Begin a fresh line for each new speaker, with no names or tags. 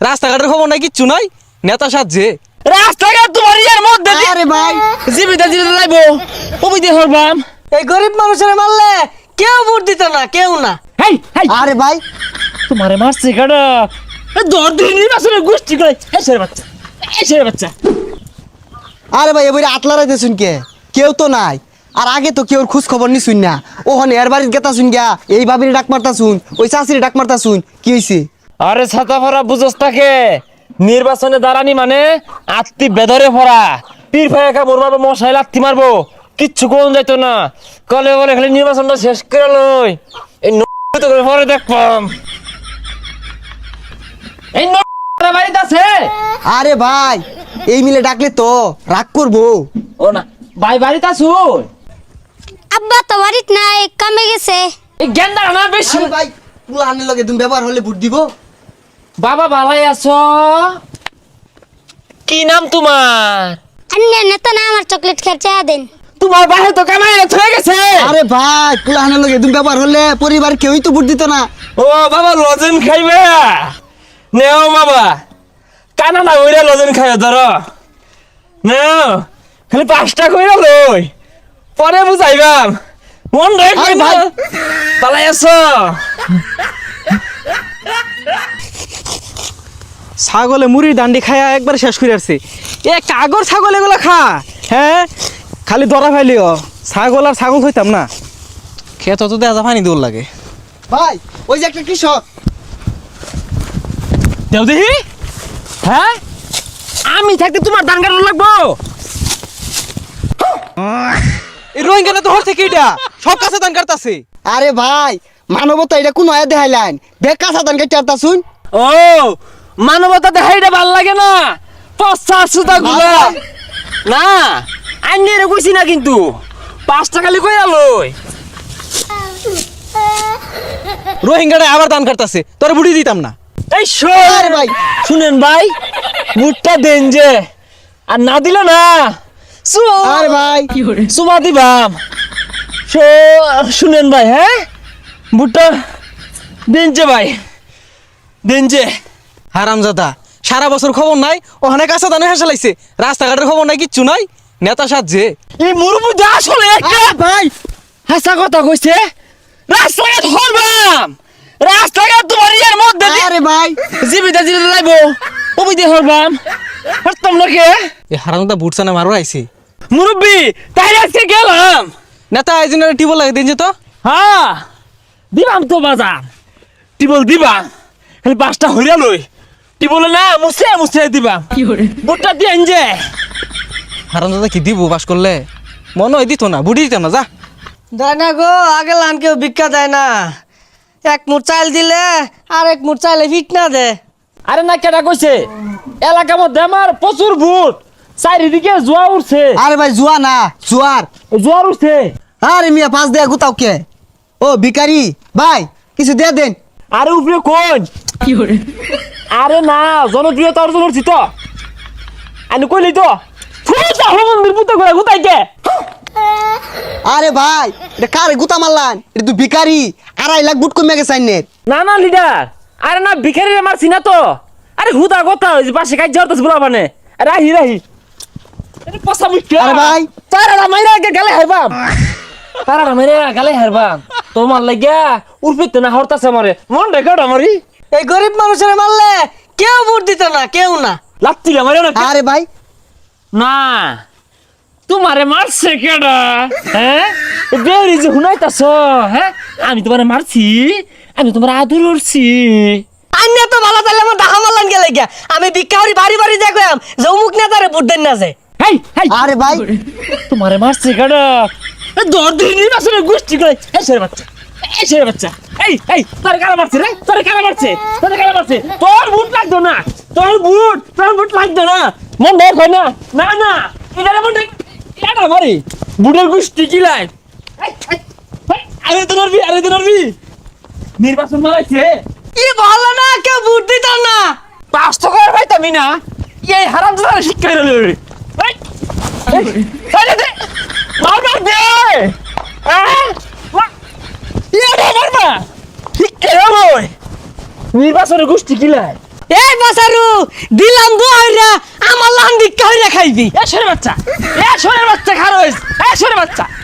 রাস্তাঘাটের খবর নাই, কিচ্ছু নাই, নেতা সাজছে।
রাস্তাঘাট তোমার ইয়ার মধ্যে
আরে ভাই
জীবিত জীবিত লাইবো ওই দিয়ে হরবাম।
এই গরিব মানুষের মারলে কেউ ভোট দিত না, কেউ না।
হেই হেই
আরে ভাই
তোমারে মারছে কাটা দর দিনই আসলে গোষ্ঠী করে এসে বাচ্চা এসে বাচ্চা।
আরে ভাই এবারে আতলা রাইতে শুন কে কেউ তো নাই। আর আগে তো কেউ খোঁজ খবর নি শুন না, ওখানে এর বাড়ির গেতা শুন গিয়া এই ভাবির ডাক মারতা শুন, ওই চাষির ডাক মারতা শুন, কি হইছে?
আরে ছাতা ভরা বুঝস তাকে নির্বাচনে দাঁড়ানি মানে আত্মি বেদরে ভরা পীর ভাই একা মরবাবো মশাই লাত্তি মারবো কিচ্ছু কোন যাইতো না। কলে বলে খালি নির্বাচনটা শেষ করে লই এই তো করে পরে দেখবাম। এই বাড়িতে আছে?
আরে ভাই এই মিলে ডাকলে তো রাগ করবো।
ও না ভাই বাড়িতে আছো?
আব্বা তো বাড়িত নাই, কামে গেছে।
এই গেন্দা না বেশি।
আরে ভাই পুলানের লগে তুমি ব্যবহার হলে ভোট দিব।
বাবা ভালাই আছো? কি নাম তোমার?
আন্নে নেতা না আমার চকলেট খেতে দেন।
তোমার বাহে তো কামাই হয়ে গেছে।
আরে ভাই পুলানের লগে তুমি ব্যবহার হলে পরিবার কেউই তো ভোট দিত না।
ও বাবা লজেন খাইবে নেও বাবা কানা না ওইরা লজেন খাইবে ধরো নেও খালি 5টা কইরা লই পরে বুঝাইবাম মন রাখ
আরে
ভাই
ভাই।
পালাই আছো।
ছাগলে মুড়ির ডান্ডি খায়া একবার শেষ করে আসছে। এ কাগর ছাগল এগুলো খা, হ্যাঁ খালি দরা ফাইলিও। ছাগল আর ছাগল হইতাম না, খেত তো দেখা পানি দৌড় লাগে।
ভাই ওই যে একটা কৃষক।
দেও দেখি হ্যাঁ আমি থাকতে তোমার ধান কাটা লাগবো।
এই রোহিঙ্গা তো হর থেকে এটা সব কাছে দান কাটতাছে।
আরে ভাই মানবতা এটা কোন আয়া দেখাইলেন, বেকা সাধান কেটে আরতা শুন।
ও মানবতা দেখাইটা ভাল লাগে না পচা সুতা গুলা না আইনি রে কইছি না কিন্তু 5টা খালি কইরা লই।
রোহিঙ্গাটা আবার দান কাটতাছে, তোর বুড়ি দিতাম না।
এই শোন
আরে ভাই
শুনেন ভাই বুটটা দেন যে আর না দিলে না
আরে ভাই
সুমা দিবাম। শুনেন ভাই হ্যাঁ বুটটা দেন যে ভাই দেন যে।
হারামজাদা সারা বছর খবর নাই, ওখানে কাছে দানে হেসে লাগছে। রাস্তাঘাটের খবর নাই, কিচ্ছু নাই, নেতা সাজছে।
এই মুরুবুদা আসলে একটা
ভাই
হাসা কথা কইছে রাস্তাঘাট হরবাম রাস্তাঘাট তোমার ইয়ার মধ্যে
আরে ভাই
জীবিত জীবিত লাইবো ওই দিয়ে হরবাম হরতাম না কে
এই হারামজাদা বুট চানা মারো আইছে।
মুরব্বি তাই আজকে গেলাম
নেতা আইজনের টিবল লাগে দিন যে তো।
হ্যাঁ দিবাম তো বাজার টিবল দিবাম খালি 5টা হইরা লই টিবলে না মুছে মুছে দিবাম বুটটা দিয়ে যে।
হারামজাদা কি দিব বাস করলে? মনে হয় দিত না, বুড়ি দিতাম না। যা
দেয় না গো, আগে লান কেউ ভিক্ষা দেয় না। এক মুঠ চাল দিলে আর এক মুঠ চাইলে ফিট না দে।
আরে না কেটা কইছে এলাকার মধ্যে আমার প্রচুর ভূত চারিদিকে জোয়া উঠছে
আরে ভাই জুয়া না জুয়ার।
জোয়ার উঠছে।
আরে মিয়া পাঁচ দেয়া গুতাও কে? ও ভিখারি ভাই কিছু দিয়ে দেন।
আরে উপরে কোন আরে না জনপ্রিয়তা অর্জন করছি তো আমি কইলি তো ফুটা মন্দির পুতো করে গুতাই কে।
আরে ভাই এটা কারে গুতা মারলান? এটা তুই ভিখারি, 2.5 লাখ বুট কমে গেছে আইনের।
না না লিডার আরে না ভিখারি মারছি না তো। আরে হুদা কথা ওই যে পাশে কাজ জড়তাছ বলা মানে রাহি রাহি আরে পসা মুখ্য।
আরে ভাই
তারা মাইরা গেলে হারবাম তারা মাইরা গেলে হারবাম তোমার লাগিয়া উর্ফিতে না হরতাছে আমারে মন রেকর্ড আমারই।
এই গরিব মানুষের মারলে কেউ ভোট দিত না, কেউ না।
লাত্তি মারে না
আরে ভাই
না তোমারে মারছে কেডা হ্যাঁ বেরি যে হুনাইতাছ হ্যাঁ আমি তোমারে মারছি আমি তোমার আদর করছি।
আন্য তো ভালো তাহলে আমার ডাহা মারলান গেলে গিয়া আমি ভিক্ষা করি বাড়ি বাড়ি দেখলাম যে অমুক নেতারে ভোট দেন না যে।
হেই হেই
আরে ভাই
তোমারে মারছে কেডা দর দিনই আসলে গোষ্ঠী করে এসে বাচ্চা এসে বাচ্চা। এই এই তোর কারা মারছে রে তোর কারা মারছে তোর কারা মারছে তোর বুট লাগতো না তোর বুট লাগতো না মন দেখ হয় না না না এটারে মন দেখ এটা মারি বুটের গোষ্ঠী কি লাই। আরে তো নরবি নির্বাচন মারাইছে
কি ভালো না, কেউ ভোট দিত না।
5 টাকার পাইতামি না এই হারাম দাদা শিক্ষা হলো রে। মারবা দে মারবা শিক্ষা হলো নির্বাচনের গোষ্ঠী কি লাই।
এই বাসারু দিলাম বইরা আমার লান ভিক্ষা হইরা খাইবি
এ সরে বাচ্চা খারো এ সরে বাচ্চা